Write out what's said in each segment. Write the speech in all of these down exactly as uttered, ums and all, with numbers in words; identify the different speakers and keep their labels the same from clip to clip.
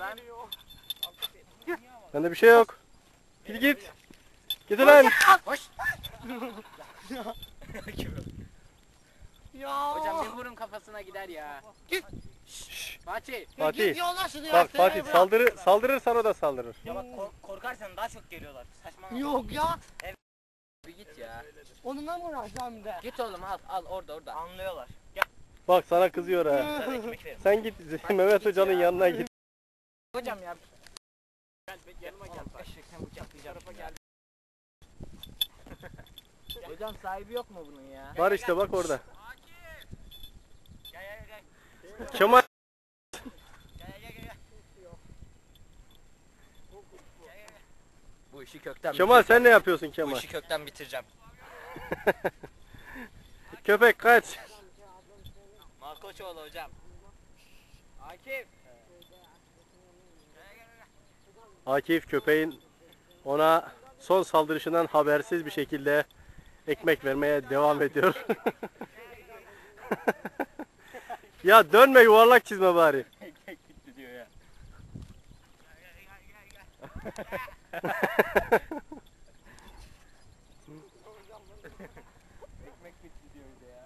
Speaker 1: ben.
Speaker 2: Bende bir şey yok. Git git. Git lan.
Speaker 1: Hoş.
Speaker 3: Ya.
Speaker 1: Hocam bir vurun kafasına gider ya.
Speaker 3: Git.
Speaker 2: Şşş.
Speaker 1: Fatih.
Speaker 2: Fatih.
Speaker 3: Git yolla şunu ya.
Speaker 2: Bak
Speaker 3: Seni
Speaker 2: Fatih
Speaker 3: bırak.
Speaker 2: saldırır saldırırsan o da saldırır.
Speaker 4: Ya bak kork korkarsan daha çok geliyorlar. Saçmalama.
Speaker 3: Yok ya.
Speaker 1: Bir git ya.
Speaker 3: Onunla mı uğraşacağım bir de?
Speaker 1: Git oğlum al al orada orada.
Speaker 4: Anlıyorlar. Gel
Speaker 2: Bak sana kızıyor ha.
Speaker 4: sana ekmek verin.
Speaker 2: Sen git Mehmet Hoca'nın yanına git.
Speaker 1: Hocam ya.
Speaker 4: Gel yanıma gel. Eşekten bıçaklayacağım.
Speaker 1: Gel. Hocam sahibi yok mu bunun ya?
Speaker 2: Var işte bak orada.
Speaker 4: Gel gel gel.
Speaker 2: Kemal.
Speaker 4: Gel gel gel gel.
Speaker 1: Bu işi kökten
Speaker 2: Kemal sen ne yapıyorsun
Speaker 4: Bu
Speaker 2: Kemal?
Speaker 4: işi kökten bitireceğim.
Speaker 2: Köpek kaç.
Speaker 4: Malkoçoğlu hocam.
Speaker 1: Akif.
Speaker 2: Akif köpeğin ona son saldırışından habersiz bir şekilde ekmek vermeye devam ediyor. Ya dönme yuvarlak çizme bari.
Speaker 4: Ekmek bitti diyor ya.
Speaker 1: Ekmek bitti diyor bir de ya.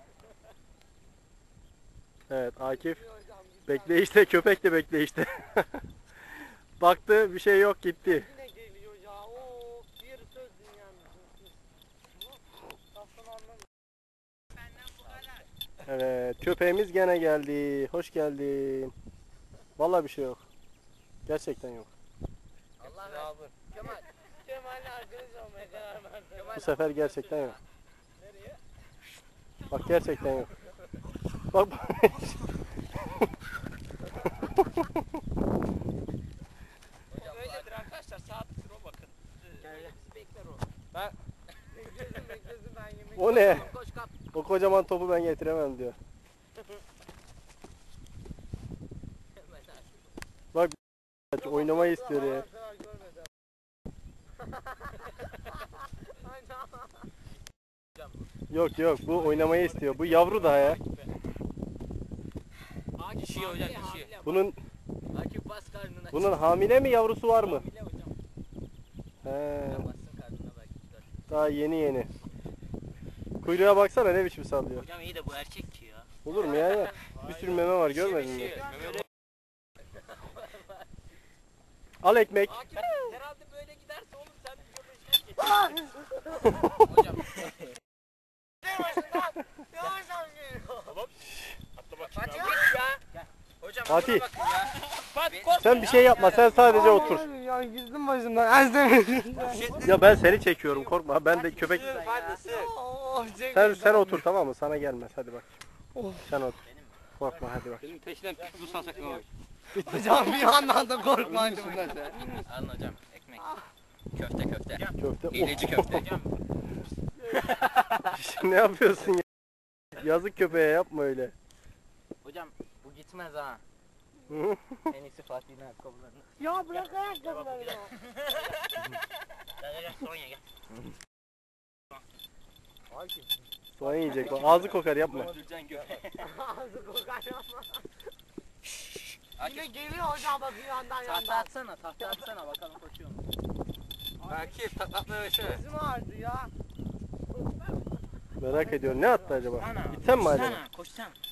Speaker 2: Evet Akif bekleyişte köpek de bekleyişte. Baktı bir şey yok gitti.
Speaker 3: Yine geliyor ya. Oo, bir söz dünyanın.
Speaker 2: Evet köpeğimiz gene geldi. Hoş geldin. Vallahi bir şey yok. Gerçekten yok.
Speaker 1: Allah razı olsun. Kemal.
Speaker 3: Kemal'le arkadaş olmaya karar verdim.
Speaker 2: Bu sefer gerçekten yok. Bak gerçekten yok. Bak bak.
Speaker 4: Öyledir arkadaşlar. Saat sıra bakın.
Speaker 1: Gel gel. Bekler o.
Speaker 3: Beklesin beklesin ben yemek.
Speaker 2: O ne?
Speaker 1: Koş kap.
Speaker 2: O kocaman topu ben getiremem diyor. Bak oynamayı istiyor ya. Yok yok bu oynamayı istiyor. Bu yavru daha ya.
Speaker 1: Akif
Speaker 4: Dişi hocam,
Speaker 1: hamile,
Speaker 4: dişi.
Speaker 1: hamile.
Speaker 2: Bunun
Speaker 1: Akif bas karnına.
Speaker 2: bunun hamile mi yavrusu var mı?
Speaker 1: Hamile hocam.
Speaker 2: He,
Speaker 1: Bassın karnına belki gider.
Speaker 2: daha yeni yeni. Kuyruğa baksana ne biçim sallıyor.
Speaker 4: Hocam iyi de bu erkek ki ya.
Speaker 2: Olur mu ya? ya? Bir sürü meme var görmedin mi?
Speaker 4: Mehmet
Speaker 2: Al ekmek.
Speaker 1: Akif herhalde böyle giderse olur sen bir göbeğine geç. Hocam.
Speaker 3: Yavaş yavaş geliyor.
Speaker 4: atla bak.
Speaker 1: Fatih git ya. Gel. Hocam
Speaker 2: Fatih.
Speaker 1: buna bakın ya. Fatih korkma.
Speaker 2: Sen bir şey yapma sen sadece otur.
Speaker 3: Abi ya gizlim başımdan. Ezdemedim.
Speaker 2: Ya ben seni çekiyorum korkma. Ben de köpek...
Speaker 3: Oh,
Speaker 2: Sen sen otur tamam mı? Sana gelmez hadi bak.
Speaker 3: Oh.
Speaker 2: Sen otur. Korkma hadi bak.
Speaker 4: Benim peşinden pitbull salsak ne olur?
Speaker 3: Hocam bir yandan da korkmayın.
Speaker 4: Alın hocam ekmek. Köfte köfte.
Speaker 2: Köfte.
Speaker 4: Hileci köfte.
Speaker 2: Ne yapıyorsun ya? Yazık köpeğe yapma öyle.
Speaker 1: Hocam bu gitmez ha.
Speaker 2: Hı?
Speaker 1: En iyisi Fatih'in ayakkabılarını.
Speaker 3: Ya bırak ayakkabıları ya.
Speaker 4: Gel gel gel Sonya gel.
Speaker 1: Akif.
Speaker 2: Soğan yiyecek o. Ağzı kokar yapma.
Speaker 4: Öldüreceksin göbeği.
Speaker 3: Ağzı kokar yapma. Yine
Speaker 4: Akif.
Speaker 3: geliyor hocam bak bir yandan
Speaker 1: Tahta
Speaker 3: yandan.
Speaker 1: atsana tahta atsana bakalım koşuyor mu?
Speaker 4: Akif taklatma versene.
Speaker 3: Gözüm ağrıdı ya.
Speaker 2: Merak ediyorum ne attı acaba?
Speaker 4: Sana.
Speaker 2: Gitsen mi acaba?
Speaker 4: Sana koşsana.